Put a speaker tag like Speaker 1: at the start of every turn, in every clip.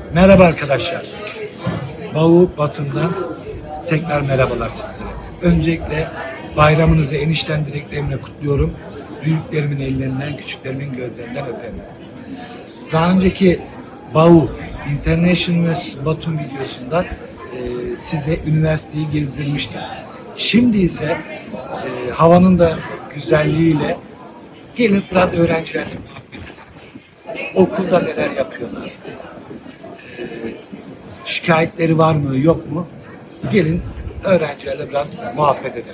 Speaker 1: Merhaba arkadaşlar. Bavu Batum'dan tekrar merhabalar sizlere. Öncelikle bayramınızı enişten dileklerimle kutluyorum. Büyüklerimin ellerinden, küçüklerimin gözlerinden öperim. Daha önceki Bavu International University Batum videosunda size üniversiteyi gezdirmiştim. Şimdi ise havanın da güzelliğiyle gelin biraz öğrencilerle muhabbet edelim. Okulda neler yapıyorlar? Şikayetleri var mı, yok mu? Gelin öğrencilerle biraz muhabbet edelim.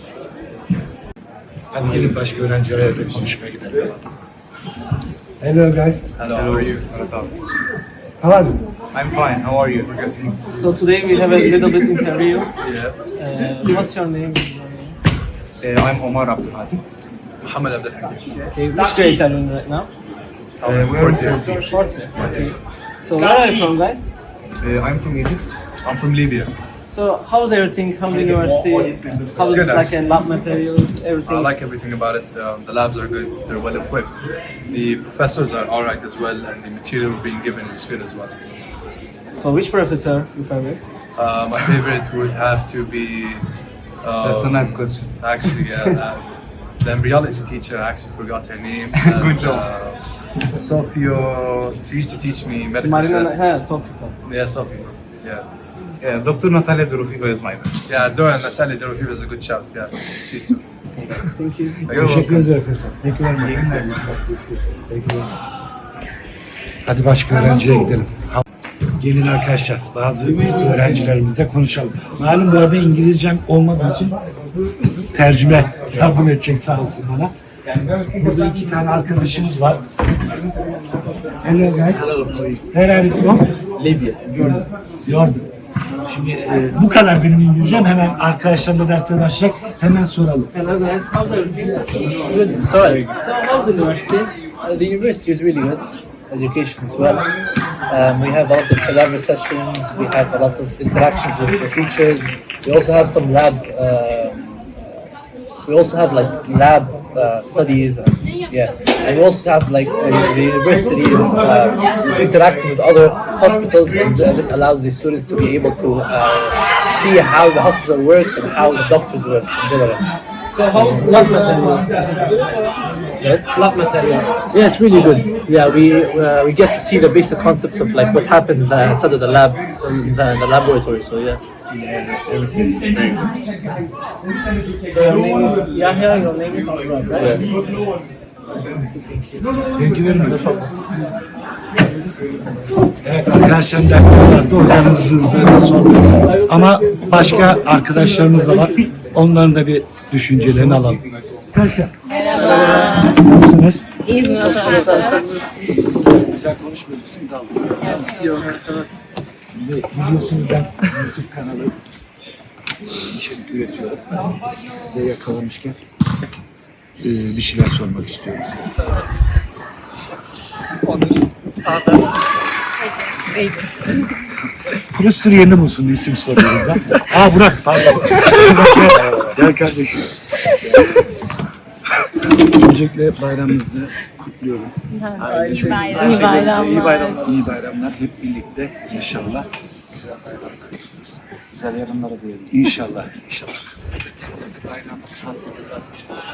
Speaker 1: Hadi gelin başka öğrencilerle de konuşmaya gidelim. Hello guys.
Speaker 2: Hello, how are you?
Speaker 1: How are you?
Speaker 2: I'm fine, how are you?
Speaker 3: So today we have a little bit interview.
Speaker 2: Yeah.
Speaker 3: What's your name?
Speaker 2: I'm Omar Abdulhatim. Mohammed Abdulhatim.
Speaker 3: Okay, which grade are you in right now?
Speaker 2: We're here.
Speaker 3: Fourth. Okay. So where are you from, guys?
Speaker 2: I'm from Egypt. I'm from Libya.
Speaker 3: So how's everything? How's the university? How's
Speaker 2: good,
Speaker 3: like lab materials, everything?
Speaker 2: I like everything about it. The labs are good, they're well equipped. The professors are alright as well, and the material being given is good as well.
Speaker 3: So which professor you favorite?
Speaker 2: My favorite would have to be.
Speaker 1: That's a nice question.
Speaker 2: Actually, the embryology teacher, I actually forgot her name.
Speaker 1: Good job.
Speaker 2: Sophia, she used to teach me medical
Speaker 3: Marina,
Speaker 2: genetics.
Speaker 3: Sofia.
Speaker 2: Yeah, Sophia. Yeah.
Speaker 1: Dr. Natalia Dorofiva is my best.
Speaker 2: Yeah, Natalia Dorofiva is a good shout. Yeah, she's good.
Speaker 3: Thank you.
Speaker 1: Teşekkür ederim arkadaşlar. Thank you very much. Thank you very much. Hadi başka öğrenciye gidelim. Gelin arkadaşlar, bazı öğrencilerimizle konuşalım. Malum bu arada İngilizcem olmadığı için tercüme yardım edecek sağ olsun bana. Burada iki tane arkadaşımız var. Hello guys. Where are you from?
Speaker 3: Libya.
Speaker 1: Jordan. Şimdi bu kadar benim İngilizcem. Hemen arkadaşlarımla dersler başlayacak. Hemen soralım.
Speaker 3: Hello guys, how's everything? Good. Sorry. So how's the university?
Speaker 4: The university is really good. Education as well. We have a lot of collaborative sessions. We have a lot of interactions with the teachers. We also have some lab. We also have like lab studies. Yeah, and we also have like the university is interacting with other hospitals, and this allows the students to be able to see how the hospital works and how the doctors work in general.
Speaker 3: So how's lab materials?
Speaker 4: Yes.
Speaker 3: Lab materials.
Speaker 4: Yeah, it's really good. Yeah, we get to see the basic concepts of like what happens inside of the lab, in the laboratory. So yeah, everything is very good.
Speaker 3: So your name is Yahya, your name is Abdullah, right?
Speaker 4: Yes.
Speaker 1: Thank you very much. Evet arkadaşlarım dersleri vardı. O yüzden hızlı sordum. Ama başka arkadaşlarımız da var. Onların da bir düşüncelerini alalım. Arkadaşlar. Nasılsınız?
Speaker 5: İyiyiz mi?
Speaker 1: Güzel konuşmuyoruz. Şimdi dalga. Yok, evet. Biliyorsunuz ben YouTube kanalı içerik üretiyorum. Size yakalamışken bir şeyler sormak istiyorum. Profesör yerini bulsun isim soruyoruz da. Burak pardon. Gel kardeşim. Öncelikle bayramınızı kutluyorum.
Speaker 5: İyi bayramlar.
Speaker 1: İyi bayramlar. Hep birlikte inşallah. Güzel bayramlar. Güzel yarınlara diyelim. İnşallah. İnşallah. Evet. Bayram hasreti biraz.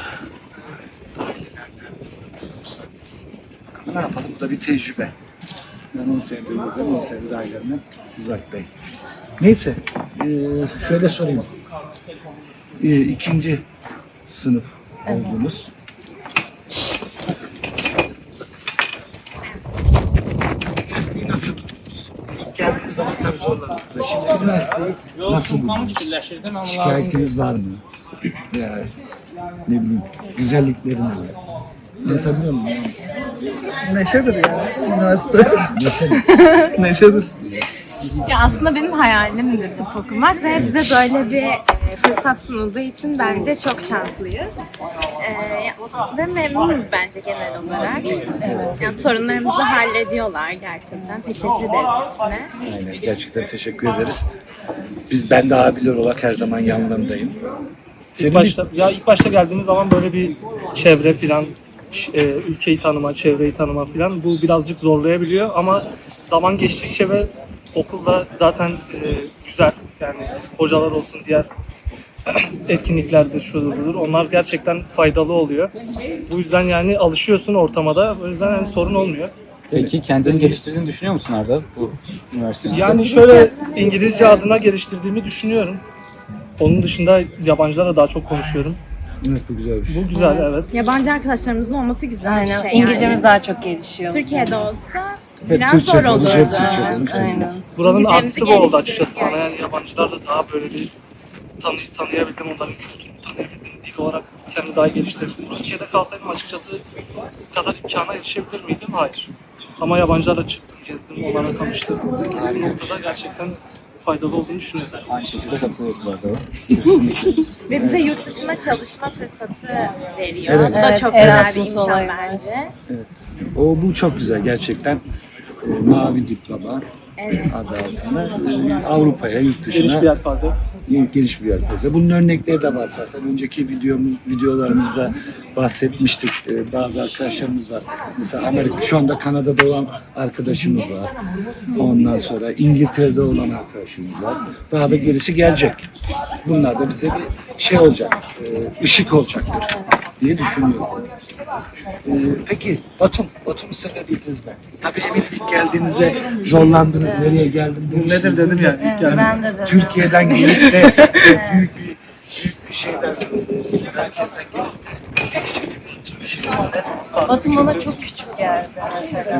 Speaker 1: Ne yapalım? Bu da bir tecrübe. Ben 10 senedir buradayım. 10 senedir ailemden uzaktayım. Neyse. Şöyle sorayım. İkinci sınıf oldunuz. Üniversiteyi nasıl? İlk geldiğiniz zaman tabii zorladınız. Şimdi üniversiteyi nasıl buldunuz? Şikayetiniz var mı? Yani ne bileyim, güzellikleri ne? Anlatabiliyor muyum?
Speaker 6: Neşedir ya üniversite.
Speaker 1: Neşeli.
Speaker 6: Neşedir.
Speaker 5: Ya aslında benim hayalim de tıp okumak ve bize böyle bir fırsat sunulduğu için bence çok şanslıyız. Ve memnunuz bence genel olarak. Yani sorunlarımızı hallediyorlar gerçekten. Teşekkür ederiz hepsine.
Speaker 1: Aynen, gerçekten teşekkür ederiz. Ben de abiler olarak her zaman yanlarındayım.
Speaker 3: İlk başta geldiğiniz zaman böyle bir çevre filan, ülkeyi tanıma, çevreyi tanıma filan bu birazcık zorlayabiliyor ama
Speaker 7: zaman geçtikçe ve okulda zaten güzel, yani hocalar olsun, diğer etkinliklerdir, şudur budur. Onlar gerçekten faydalı oluyor. Bu yüzden yani alışıyorsun ortama da. O yüzden yani sorun olmuyor.
Speaker 3: Peki kendini geliştirdiğini düşünüyor musun Arda bu üniversitede?
Speaker 7: Yani şöyle İngilizce adına geliştirdiğimi düşünüyorum. Onun dışında yabancılarla daha çok konuşuyorum.
Speaker 1: Evet, bu güzel bir şey.
Speaker 7: Bu güzel, evet.
Speaker 5: Yabancı arkadaşlarımızın olması güzel bir
Speaker 8: Aynen.
Speaker 5: şey.
Speaker 8: İngilizcemiz
Speaker 5: yani.
Speaker 8: daha çok gelişiyor.
Speaker 5: Türkiye'de olsa
Speaker 1: Hep
Speaker 5: biraz
Speaker 1: Türkçe
Speaker 5: zor
Speaker 1: konuş,
Speaker 5: olurdu.
Speaker 1: hep Türkçe konuş.
Speaker 8: Aynen.
Speaker 7: Buranın
Speaker 5: İngilizcemizi
Speaker 7: artısı bu oldu
Speaker 5: geliştirdik
Speaker 7: açıkçası bana. Yani
Speaker 5: gerçekten.
Speaker 7: yabancılarla daha böyle bir tanıyabildim, onların kültürünü tanıyabildim. Dil olarak kendimi daha geliştirdim. Türkiye'de kalsaydım açıkçası bu kadar imkana erişebilir miydim? Hayır. Ama yabancılarla çıktım, gezdim, onlarla tanıştım. Bu noktada gerçekten faydalı olduğunu düşünüyorum.
Speaker 3: Aynı şekilde katılıyoruz Arda.
Speaker 5: Ve bize yurt dışında çalışma fırsatı veriyor.
Speaker 1: Evet.
Speaker 5: Bu da
Speaker 8: Evet,
Speaker 5: çok güzel bir
Speaker 8: Erasmus
Speaker 5: imkan
Speaker 8: olayı.
Speaker 5: bence.
Speaker 1: Bu çok güzel gerçekten. Mavi diploma
Speaker 5: Evet.
Speaker 1: adı altında Avrupa'ya, yurt
Speaker 7: Geniş bir
Speaker 1: dışına
Speaker 7: yelpaze.
Speaker 1: geniş bir yelpaze. Bunun örnekleri de var zaten. Önceki videolarımızda bahsetmiştik. Bazı arkadaşlarımız var. Mesela Amerika, şu anda Kanada'da olan arkadaşımız var. Ondan sonra İngiltere'de olan arkadaşımız var. Daha da gerisi gelecek. Bunlar da bize bir şey olacak, ışık olacaktır diye düşünüyorum. Peki Batum sevebildiniz mi? Tabii eminim ilk geldiğinizde zorlandınız. Nereye geldim?
Speaker 7: Nedir dedim yani ilk geldim.
Speaker 8: Ben de dedim.
Speaker 1: Türkiye'den gelip de büyük bir şeyden, merkezden gelip de
Speaker 8: Batum bana çok küçük geldi mesela.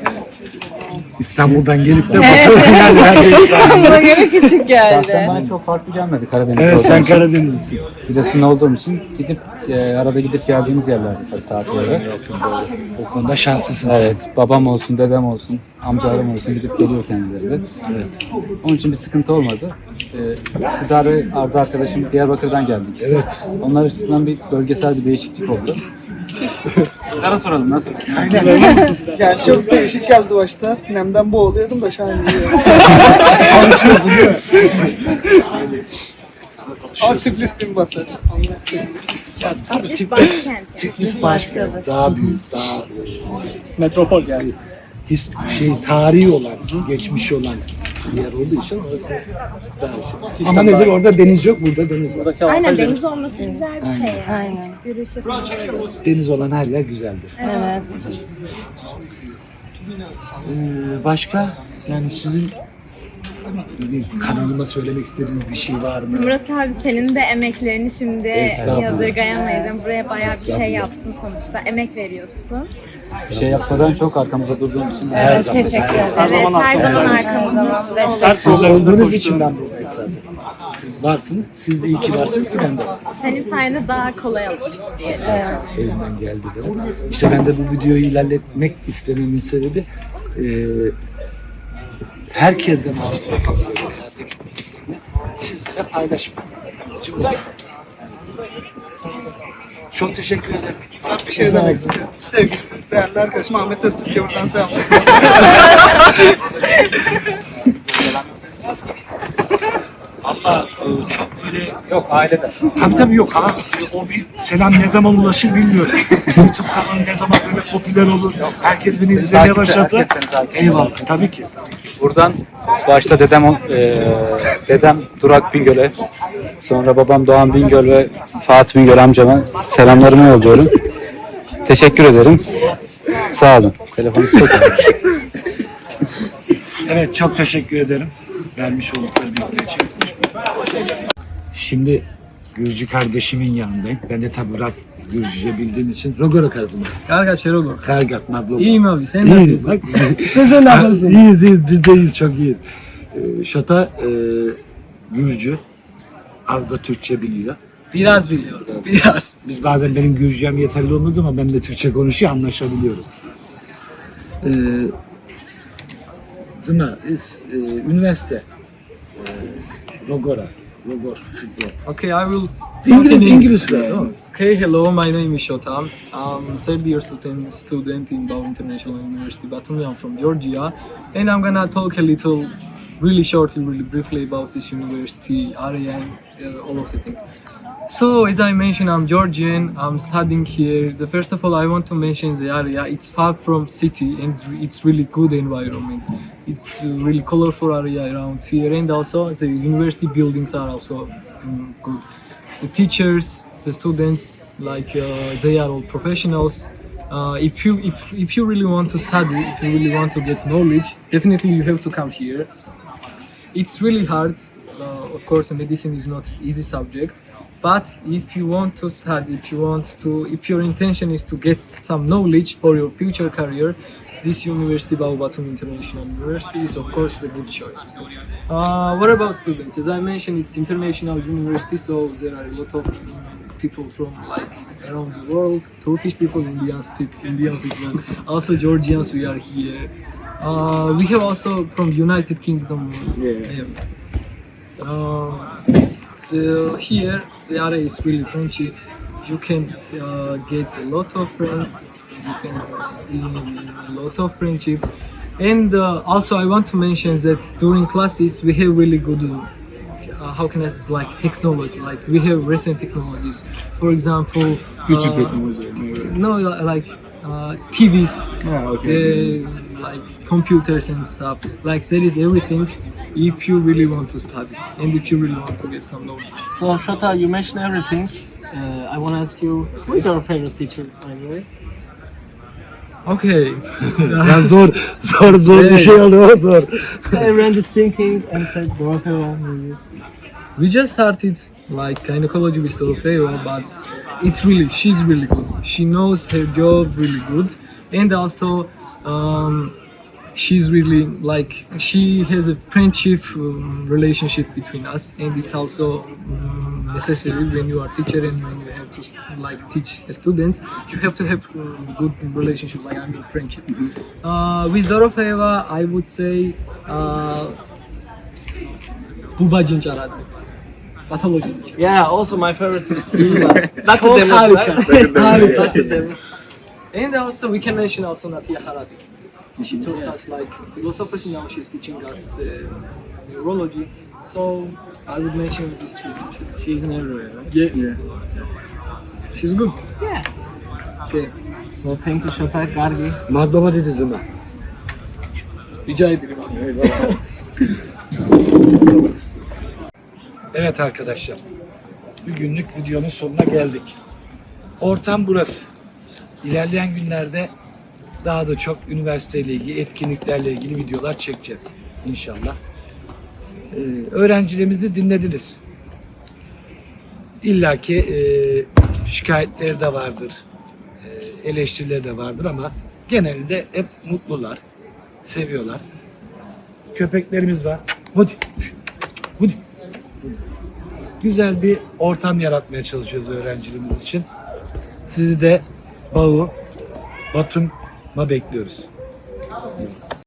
Speaker 1: İstanbul'dan gelip de Batum'a yani.
Speaker 8: Bana göre küçük
Speaker 3: Şahsen
Speaker 8: geldi.
Speaker 3: bana çok farklı gelmedi Karadeniz
Speaker 1: Evet,
Speaker 3: olduğum
Speaker 1: sen
Speaker 3: için.
Speaker 1: Karadenizlisin.
Speaker 3: Giresun olduğum için arada gidip geldiğimiz yerlerdi tabii tatillere.
Speaker 1: O konuda şanslısın sen.
Speaker 3: Evet, babam olsun, dedem olsun, amcalarım olsun gidip geliyor kendileri de. Onun için bir sıkıntı olmadı. Sıda ve Arda arkadaşım Diyarbakır'dan geldik.
Speaker 1: Evet.
Speaker 3: Onlar açısından bir bölgesel bir değişiklik oldu. Sıda'ya soralım nasıl?
Speaker 6: Yani çok değişik geldi başta. Nemden boğuluyordum da şu an iyi.
Speaker 1: Konuşuyorsun değil mi?
Speaker 6: Ama Tiflis bin basar.
Speaker 1: Ya, tabii
Speaker 5: Tiflis başkent.
Speaker 1: Tiflis başka. Daha büyük, daha
Speaker 7: Metropol yani.
Speaker 1: tarihi olan, geçmişi olan bir yer olduğu için orası daha şey. Ama nedir orada deniz yok, burada deniz var.
Speaker 7: Buradaki
Speaker 5: Aynen,
Speaker 7: avantaj
Speaker 5: deniz olması güzel bir şey. Yani.
Speaker 8: Aynen.
Speaker 5: Çıkıp yürüyüş yapabiliyoruz.
Speaker 1: Deniz olan her yer güzeldir.
Speaker 8: Evet.
Speaker 1: Başka yani sizin bir kanalıma söylemek istediğiniz bir şey var mı?
Speaker 5: Murat abi, senin de emeklerini şimdi
Speaker 1: Estağfurullah.
Speaker 5: yadırgayamayız. Buraya bayağı bir şey yaptın sonuçta. Emek veriyorsun.
Speaker 3: Bir şey yapmadan çok arkamızda durduğum için.
Speaker 1: Her
Speaker 8: Evet,
Speaker 1: zaman.
Speaker 8: teşekkür ederim.
Speaker 5: Evet,
Speaker 7: zaman
Speaker 5: her zaman
Speaker 8: Her
Speaker 5: arkamızdasın.
Speaker 8: zaman.
Speaker 1: Siz
Speaker 7: programımızda
Speaker 1: olduğunuz
Speaker 7: koştuğum-
Speaker 1: için ben buradayım zaten. Siz varsınız. Siz de iyi ki varsınız ki ben de varım.
Speaker 5: Senin sayende daha kolay alıştık diyelim.
Speaker 1: Elimden geldi de. İşte ben de bu videoyu ilerletmek istememin sebebi herkesten aldığım sizlere paylaşmak. Çok teşekkür ederim.
Speaker 6: Ben bir şey demek istiyorum. Sevgili değerli arkadaşım Ahmet Öztürk'e buradan selamlar.
Speaker 1: Ama çok böyle
Speaker 3: Yok aileden.
Speaker 1: tabii yok ama o bir selam ne zaman ulaşır bilmiyorum. YouTube kanalı ne zaman böyle popüler olur. Herkes beni izlemeye
Speaker 3: takipte,
Speaker 1: başlarsa
Speaker 3: herkes seni takip ediyor.
Speaker 1: eyvallah tabii ki.
Speaker 3: Buradan başta dedem Durak Bingöl'e, sonra babam Doğan Bingöl ve Fatih Bingöl amcama selamlarımı yolluyorum. Teşekkür ederim. Sağ olun. Telefonu çok
Speaker 1: Evet, çok teşekkür ederim. Vermiş oldukları bilgiler için. Şimdi Gürcü kardeşimin yanındayım. Ben de tabi biraz Gürcüce bildiğim için Rogora kardım.
Speaker 9: Karga Çerolo.
Speaker 1: Kargat, Mablo.
Speaker 9: İyiyim abi, sen
Speaker 1: İyiyiz
Speaker 9: nasılsın?
Speaker 1: bak.
Speaker 9: Sen nasılsın?
Speaker 1: İyiyiz, biz de iyiyiz, çok iyiyiz. Şota Gürcü, az da Türkçe biliyor.
Speaker 9: Biraz biliyorum, biraz.
Speaker 1: Biz bazen benim Gürcem yeterli olmaz ama ben de Türkçe konuşuyor, anlaşabiliyoruz. Zıma, üniversite, Rogor, futbol.
Speaker 9: Okay, I will...
Speaker 1: İngiliz ver, değil mi?
Speaker 9: Okay, hello, my name is Shotam. I'm third year student in Bau International University, Batumi. I'm from Georgia. And I'm gonna talk a little, really shortly, really briefly about this university, area, and all of the things. So, as I mentioned, I'm Georgian, I'm studying here. First of all, I want to mention the area. It's far from city and it's really good environment. It's a really colorful area around here, and also the university buildings are also good. The teachers, the students, like they are all professionals. If you really want to study, if you really want to get knowledge, definitely you have to come here. It's really hard. Of course, medicine is not easy subject. But if you want to study, if your intention is to get some knowledge for your future career, this university, Bahu Batumi International University, is of course a good choice. What about students? As I mentioned, it's international university, so there are a lot of people from like around the world, Turkish people, Indian people, also Georgians. We are here. We have also from United Kingdom. So here the area is really friendship. You can get a lot of friends. You can a lot of friendship. And also I want to mention that during classes we have really good how can I say, like technology, like we have recent technologies. For example,
Speaker 1: Future technology.
Speaker 9: no, like TVs,
Speaker 1: Okay.
Speaker 9: like computers and stuff. Like there is everything if you really want to study and if you really want to get some knowledge.
Speaker 7: So Shota, you mentioned everything. I want to ask you, who is your favorite teacher, by the way?
Speaker 9: Okay.
Speaker 1: Ya zor bir şey oldu ama zor.
Speaker 7: Everyone is thinking and said Dorofeva maybe.
Speaker 9: We just started like gynecology with Dorofeva, but she's really good. She knows her job really good, and also she's really like she has a friendship relationship between us, and it's also necessary when you are teacher and when you have to like teach students. You have to have good relationship, like I mean friendship. With Dorofeva, I would say Buba Cincaradze. Pathology.
Speaker 7: Yeah, also my favorite is
Speaker 9: Çok harika. Harika.
Speaker 7: Dr.
Speaker 9: And also we can mention also Natia Harati. She taught us like philosophy, now she's teaching us neurology. So I would mention these three teachers.
Speaker 7: She's in everywhere, right?
Speaker 9: Yeah. She's good.
Speaker 7: Yeah.
Speaker 9: Okay.
Speaker 7: So thank you, Shota Gargi.
Speaker 1: Madbaba dedi Zıma.
Speaker 9: Rica ederim.
Speaker 1: Evet arkadaşlar. Bir günlük videonun sonuna geldik. Ortam burası. İlerleyen günlerde daha da çok üniversiteyle ilgili, etkinliklerle ilgili videolar çekeceğiz inşallah. Öğrencilerimizi dinlediniz. İlla ki şikayetleri de vardır, eleştirileri de vardır ama genelde hep mutlular, seviyorlar. Köpeklerimiz var. Hadi. Hadi. Güzel bir ortam yaratmaya çalışıyoruz öğrencilerimiz için. Sizi de Batum'a bekliyoruz.